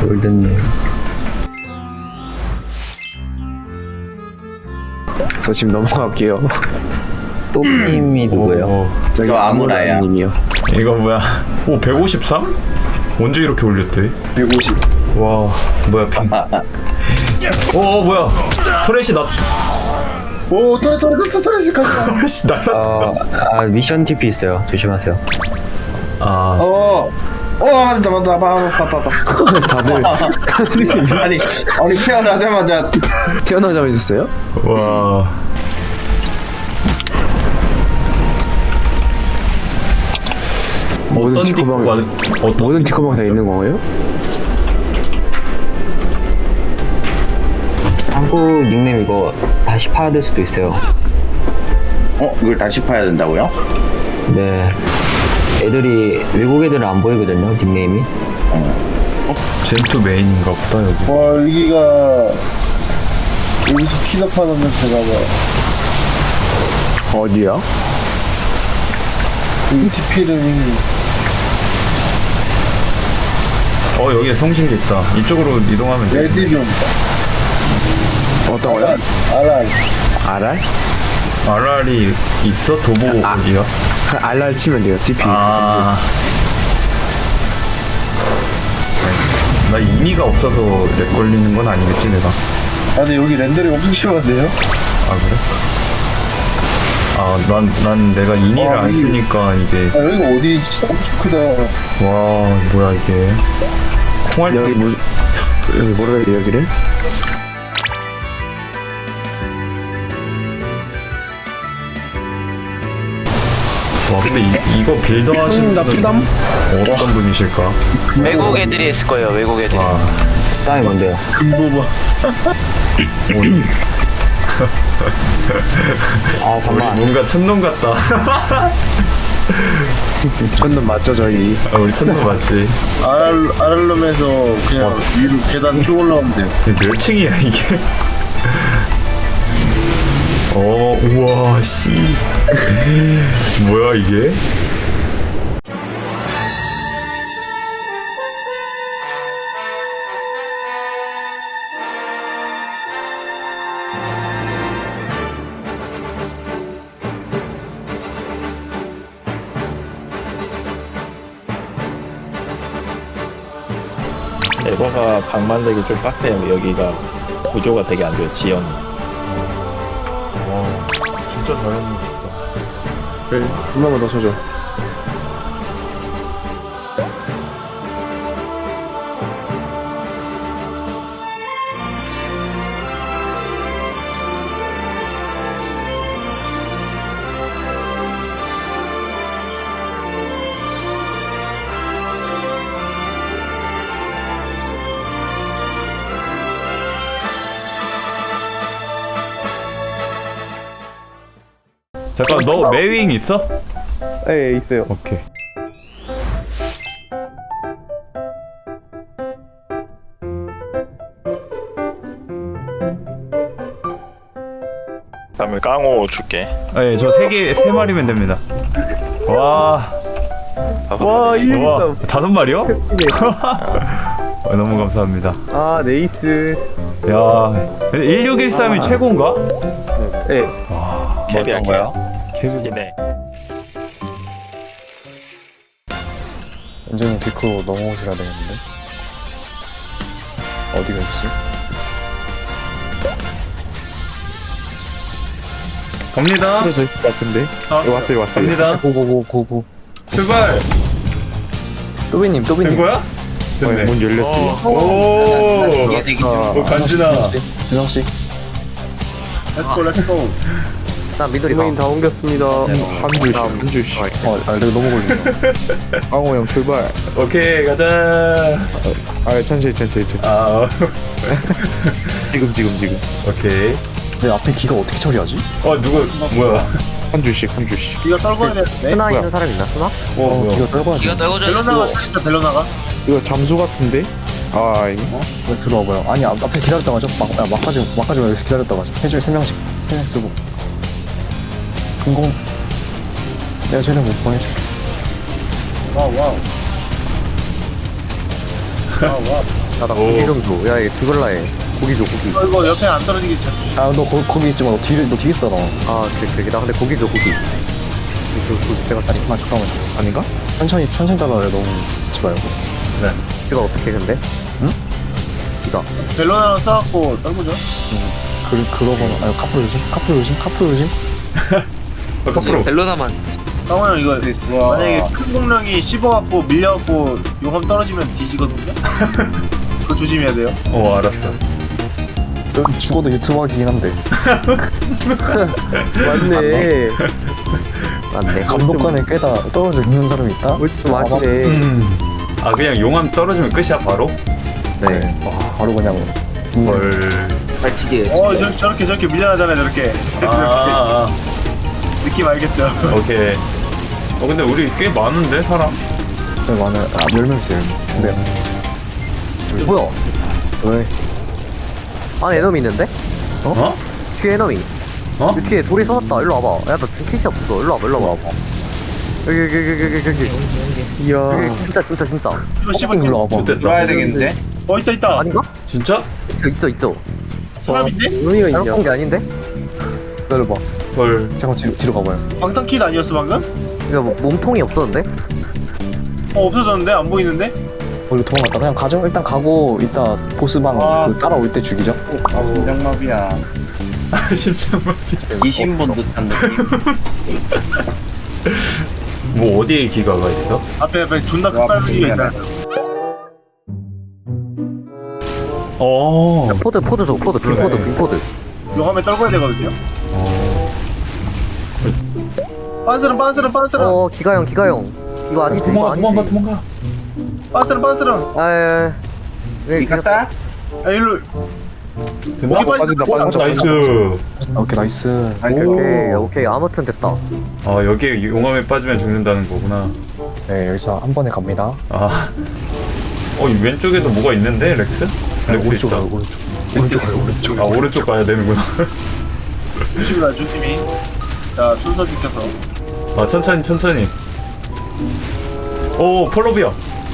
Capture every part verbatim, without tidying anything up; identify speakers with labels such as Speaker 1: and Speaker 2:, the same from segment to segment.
Speaker 1: 골든님.
Speaker 2: 저 지금 넘어갈게요.
Speaker 1: 또님이 누구예요?
Speaker 3: 오,
Speaker 2: 저기
Speaker 4: 저 아무라야.
Speaker 2: 님이요.
Speaker 3: 이거 뭐야? 오 백오십삼? 언제 이렇게 올렸대?
Speaker 2: 백오십.
Speaker 3: 와 뭐야 핑. 오 뭐야? 토레시 나.
Speaker 4: 오 토레 토레 토레 토레스 가자.
Speaker 3: 씨 날라.
Speaker 1: 어, 아 미션 티피 있어요. 조심하세요.
Speaker 3: 아
Speaker 4: 어. 어 잠깐만 봐봐 봐봐 봐.
Speaker 2: 다들
Speaker 4: 아니 아니 태어나자마자
Speaker 2: 태어나자마자 있었어요?
Speaker 3: 와.
Speaker 2: 모든
Speaker 3: 어떤
Speaker 2: 티커방
Speaker 3: 티커가 어떤
Speaker 2: 모든 티커방 다 있는 건가요?
Speaker 1: 한국 닉네임 이거 다시 파야 될 수도 있어요.
Speaker 4: 어 이걸 다시 파야 된다고요?
Speaker 1: 네. 애들이 외국 애들은 안 보이거든요. 닉네임이.
Speaker 3: 젠투 메인인가 보다 여기.
Speaker 5: 와 여기가 여기서 키나파 넣으면 되나봐.
Speaker 2: 어디야?
Speaker 5: 여기 티피름이
Speaker 3: 어 여기에 성신기 있다. 이쪽으로 이동하면 돼.
Speaker 5: 레디룸
Speaker 2: 어떤 거야?
Speaker 5: 알알
Speaker 2: 알알?
Speaker 3: 알알이 있어? 도보
Speaker 2: 아.
Speaker 3: 어디야?
Speaker 2: 알알 치면 돼요. 티피.
Speaker 3: 아. 나 인이가 없어서 렉 걸리는 건 아니겠지 내가.
Speaker 5: 아 근데 여기 렌더링 엄청 심한데요?
Speaker 3: 아 그래? 아 난 난 내가 인이를
Speaker 5: 와,
Speaker 3: 안
Speaker 5: 이-
Speaker 3: 쓰니까 이게.
Speaker 5: 아 여기가 어디지? 엄청 크다.
Speaker 3: 와 뭐야 이게. 콩알
Speaker 2: 여기 뭐 여기 뭐라 해야 돼 여기를?
Speaker 3: 와 근데 이, 이거 빌더 하시는 분은 어떤 분이실까?
Speaker 6: 외국 애들이 했을 거예요. 외국 애들이.
Speaker 3: 와
Speaker 1: 땅이 뭔데요?
Speaker 5: 금보바.
Speaker 3: 오니
Speaker 1: 아 잠깐.
Speaker 3: 뭔가 천놈 같다.
Speaker 2: 천는 맞죠 저희.
Speaker 3: 아, 우리 천놈 맞지?
Speaker 5: 알알 알알룸에서 그냥
Speaker 3: 와.
Speaker 5: 위로 계단 쭉 올라가면 돼요.
Speaker 3: 이게 몇 층이야 이게? 어 우와 씨 뭐야 이게?
Speaker 7: 에버가 방 만들기 좀 빡세요. 여기가 구조가 되게 안 좋아요. 지형이.
Speaker 3: 와 진짜 잘해주셨다.
Speaker 2: 네, 한 번만 더 쳐줘.
Speaker 3: 잠깐 너 매윙 있어?
Speaker 2: 네 있어요.
Speaker 3: 오케이.
Speaker 7: 다음에 깡호 줄게.
Speaker 3: 네, 저 세 개, 세 마리면 됩니다. 와,
Speaker 2: 와 일.
Speaker 3: 와, 다섯 마리요? 와, 너무 감사합니다.
Speaker 2: 아 네이스.
Speaker 3: 야, 일육일삼이 최고인가?
Speaker 2: 네.
Speaker 7: 캡이 할게요.
Speaker 3: 계속.
Speaker 7: 네.
Speaker 5: 완전 디코 넘어오셔야 되겠는데. 어디가 있지?
Speaker 3: 갑니다.
Speaker 5: 저 있을 것 같은데. 왔어요 왔어요.
Speaker 3: 갑니다.
Speaker 5: 고고고고고.
Speaker 3: 출발.
Speaker 2: 또비님
Speaker 3: 된
Speaker 2: 또비님.
Speaker 3: 거야? 됐네.
Speaker 5: 문 열렸어요.
Speaker 3: 오, 오,
Speaker 4: 얘들이
Speaker 3: 오, 간지나.
Speaker 5: 준영 씨.
Speaker 4: 렛츠고 렛츠고.
Speaker 1: 나 미도리
Speaker 2: 또비님 다 옮겼습니다.
Speaker 5: 한 줄씩 한 줄씩. 어, 아 내가 너무 걸린다. 강호 형 출발.
Speaker 3: 오케이, 가자.
Speaker 5: 아 천천히 천천히 천천히.
Speaker 3: 아,
Speaker 5: 지금 지금 지금.
Speaker 3: 오케이.
Speaker 5: 내 앞에 기가 어떻게 처리하지?
Speaker 3: 어, 누구, 뭐야?
Speaker 5: 한 줄씩 한 줄씩.
Speaker 4: 이거 떨궈야 되는데.
Speaker 1: 하나 있는 사람 있나? 쓰나?
Speaker 3: 어,
Speaker 5: 어
Speaker 3: 뭐야?
Speaker 5: 기가 떨궈야 돼.
Speaker 6: 기가 떨궈져
Speaker 4: 벨로나가
Speaker 6: 있고
Speaker 4: 진짜 벨로나가.
Speaker 5: 이거 잠수 같은데? 아 이거?
Speaker 8: 왜 들어와봐요. 아니 앞, 앞에 기다렸다가 하죠. 막, 야, 막하지 막하지 말고 여기서 기다렸다가 하죠. 해줄 세 명씩 세 명 쓰고. 금공. 내가 쟤네 못 보내줄게.
Speaker 4: 와우 와우. 와우 와우.
Speaker 2: 야나
Speaker 3: 오.
Speaker 2: 고기 좀 줘. 야 얘 죽을라 해. 고기 줘 고기.
Speaker 4: 어, 이거 옆에 안 떨어지게 잘 조심.
Speaker 8: 아너 거기 있지 마너 뒤에 너 뒤에 있어 너.
Speaker 2: 아 오케이 오케이. 나 근데 고기 줘 고기. 그, 그, 내가
Speaker 8: 아니 잠깐만 잠깐만 아닌가? 천천히 천천히 따라해 너무 붙지 말고.
Speaker 2: 이거 어떻게 근데?
Speaker 8: 응?
Speaker 2: 이거
Speaker 4: 벨로나로 써갖고 떨구죠.
Speaker 8: 그 그러거나 아니 카프로 조심 카프로 조심 카프로 조심.
Speaker 3: 아, 카프로.
Speaker 6: 벨로나만
Speaker 4: 상호 형 이거 만약에 큰 공룡이 씹어갖고 밀려갖고 용암 떨어지면 뒤지거든요. 그거 조심해야 돼요.
Speaker 3: 어, 알았어.
Speaker 8: 넌 죽어도 유튜브 하긴 한데.
Speaker 2: 맞네. 맞네.
Speaker 8: 감독관에 깨다 떨어져 죽는 사람이 있다?
Speaker 2: 좀 아시네.
Speaker 3: 음. 아, 그냥 용암 떨어지면 끝이야, 바로?
Speaker 2: 네.
Speaker 8: 바로 그냥 인생.
Speaker 3: 헐.
Speaker 6: 발치기.
Speaker 4: 어 저, 저렇게 저렇게 밀려나잖아요 저렇게.
Speaker 3: 아, 아,
Speaker 4: 느낌 알겠죠?
Speaker 3: 아, 오케이. 어, 근데 우리 꽤 많은데, 사람?
Speaker 8: 네, 많아요. 아, 열 명 있어요. 네.
Speaker 2: 뭐야?
Speaker 8: 왜?
Speaker 2: 안에 에너미 있는데?
Speaker 3: 어?
Speaker 2: 뒤에 에너미.
Speaker 3: 어?
Speaker 2: 이 뒤에 돌이 쏟았다. 일로 와봐. 야, 나 지금 킷이 없어. 일로 와봐, 일로 와봐. 여기, 여기, 여기, 여기, 여기. 이야. 여기 진짜, 진짜, 진짜.
Speaker 4: 이거 씹어
Speaker 8: 일로 와봐.
Speaker 3: 좋됐다.
Speaker 4: 들어야 되겠는데? 어 있다 있다.
Speaker 2: 아닌가?
Speaker 3: 진짜?
Speaker 2: 있어, 있어, 있어.
Speaker 4: 사람인데?
Speaker 2: 의미가 있냐? 잘못 게 아닌데?
Speaker 8: 기다려봐.
Speaker 3: 헐.
Speaker 8: 잠깐 뒤로, 뒤로 가봐요.
Speaker 4: 방탄킷 아니었어 방금?
Speaker 2: 이거 뭐, 몸통이 없었는데?
Speaker 4: 어 없어졌는데? 안 보이는데?
Speaker 8: 어, 이거 도망갔다. 그냥 가죠. 일단 가고 이따 보스방
Speaker 4: 아.
Speaker 8: 그 따라올 때 죽이죠.
Speaker 4: 아 심장마비야.
Speaker 3: 아, 심장마비.
Speaker 4: 이신본 듯한 느낌.
Speaker 3: 뭐, 어디에 기가가 있어?
Speaker 4: 앞에 앞에 존나 큰 빨간기가 있잖아.
Speaker 3: 어.
Speaker 2: 포드, 포드 줘, 포드, 빈 포드, 빈 포드.
Speaker 4: 용암에 떨궈야 되거든요.
Speaker 3: 어.
Speaker 4: 빤스런 빤스런 빤스런
Speaker 2: 어, 기가형, 기가형. 이거 아니지, 이거
Speaker 3: 도망가,
Speaker 2: 아니지.
Speaker 3: 도망가, 도망가.
Speaker 4: 빤스런 빤스런.
Speaker 2: 아, 예.
Speaker 4: 이카스타? 야 일로.
Speaker 3: 됐나?
Speaker 4: 목이 빠진다,
Speaker 3: 어,
Speaker 4: 빠진다.
Speaker 3: 나이스.
Speaker 8: 오케이 나이스.
Speaker 2: 오케이, 오케이. 아무튼 됐다.
Speaker 3: 아, 여기에 용암에 빠지면 죽는다는 거구나.
Speaker 8: 네 여기서 한 번에 갑니다.
Speaker 3: 아. 어, 이 왼쪽에도 뭐가 있는데, 렉스? 렉스
Speaker 8: 오른쪽
Speaker 3: 있다.
Speaker 8: 가요 오른쪽. 오른쪽 가요 오른쪽.
Speaker 3: 아, 오른쪽 가야 되는구나.
Speaker 4: 조심이다 준팀이. 자 순서 지켜서.
Speaker 3: 아, 천천히, 천천히. 오, 폴로비아.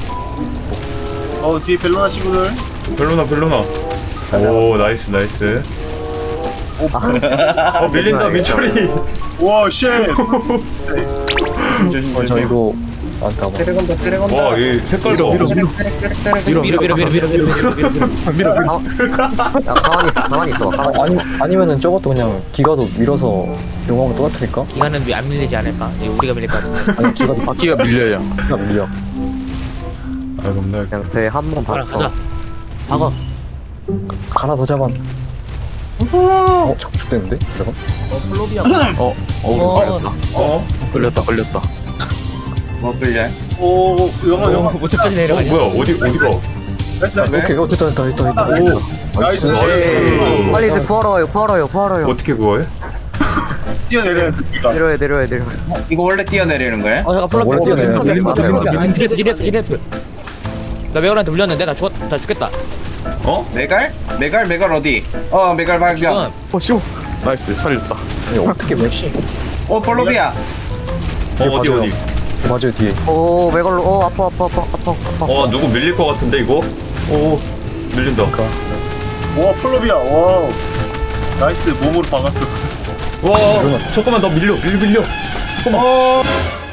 Speaker 4: 어 뒤에 벨로나 친구들.
Speaker 3: 벨로나, 벨로나. 오, 나이스, 나이스. 어, 밀린다, 민철이.
Speaker 4: 와 쉣.
Speaker 8: 어, 저 이거 안 까봐.
Speaker 3: 와, 이 색깔 봐.
Speaker 6: 밀어 밀어 밀어 밀어 밀어 밀어.
Speaker 2: 야, 가만히 있어, 가만히 있어. 가만히.
Speaker 8: 어, 아니 아니면은 저것도 그냥 기가도 밀어서 용암을 떨어뜨릴까?
Speaker 6: 이거는 안 밀리지 않을까? 이거 우리가 밀릴 것 같은데.
Speaker 8: 아니 기가도 바퀴가 밀려요. 기가 밀려.
Speaker 3: 아, 겁나.
Speaker 2: 그냥 제 한 번
Speaker 6: 가라
Speaker 2: 봤어.
Speaker 6: 가자. 박어.
Speaker 8: 하나 더 잡아. 무서워. 어 자꾸 죽겠는데 들어가?
Speaker 6: 어.
Speaker 3: 어?
Speaker 2: 걸렸다, 걸렸다.
Speaker 4: 뭐 끌려? 오 영어 영어.
Speaker 6: 못까지
Speaker 3: 어,
Speaker 6: 내려가.
Speaker 3: 뭐야, 어디, 어디가?
Speaker 4: 나이스 나이스.
Speaker 8: 오케이 어 됐다 됐다 됐다 됐다.
Speaker 3: 오,
Speaker 4: 나이스.
Speaker 3: 나이스.
Speaker 2: 빨리 이제 구하러 와요, 구하러 와요, 구하러 와요.
Speaker 3: 어떻게 구워해?
Speaker 4: 뛰어내려야 돼.
Speaker 2: 내려야, 내려야, 내려야.
Speaker 4: 이거 원래 뛰어내리는 거야?
Speaker 6: 어 잠깐 플러피.
Speaker 8: 원래 뛰어내려.
Speaker 6: 니네프 니네프 니네프. 나 메가한테 물렸는데 나 죽었 나 죽겠다.
Speaker 3: 어?
Speaker 4: 메갈? 메갈 메갈 어디? 어 메갈 발견.
Speaker 6: 지금
Speaker 5: 어 쉬워. 나이스 살렸다.
Speaker 8: 아니, 어떻게 몇
Speaker 4: 어 폴로비아.
Speaker 3: 어, 어디,
Speaker 8: 맞아요.
Speaker 3: 어디?
Speaker 8: 맞아요 뒤에.
Speaker 2: 오, 메갈로, 어, 아파, 아파, 아파, 아파, 아파.
Speaker 3: 어, 누구 밀릴 것 같은데, 이거? 오, 밀린다.
Speaker 4: 와 폴로비아. 와. 나이스 몸으로 박았어.
Speaker 3: 와, 잠깐만, 나 밀려, 밀려, 밀려.
Speaker 4: 어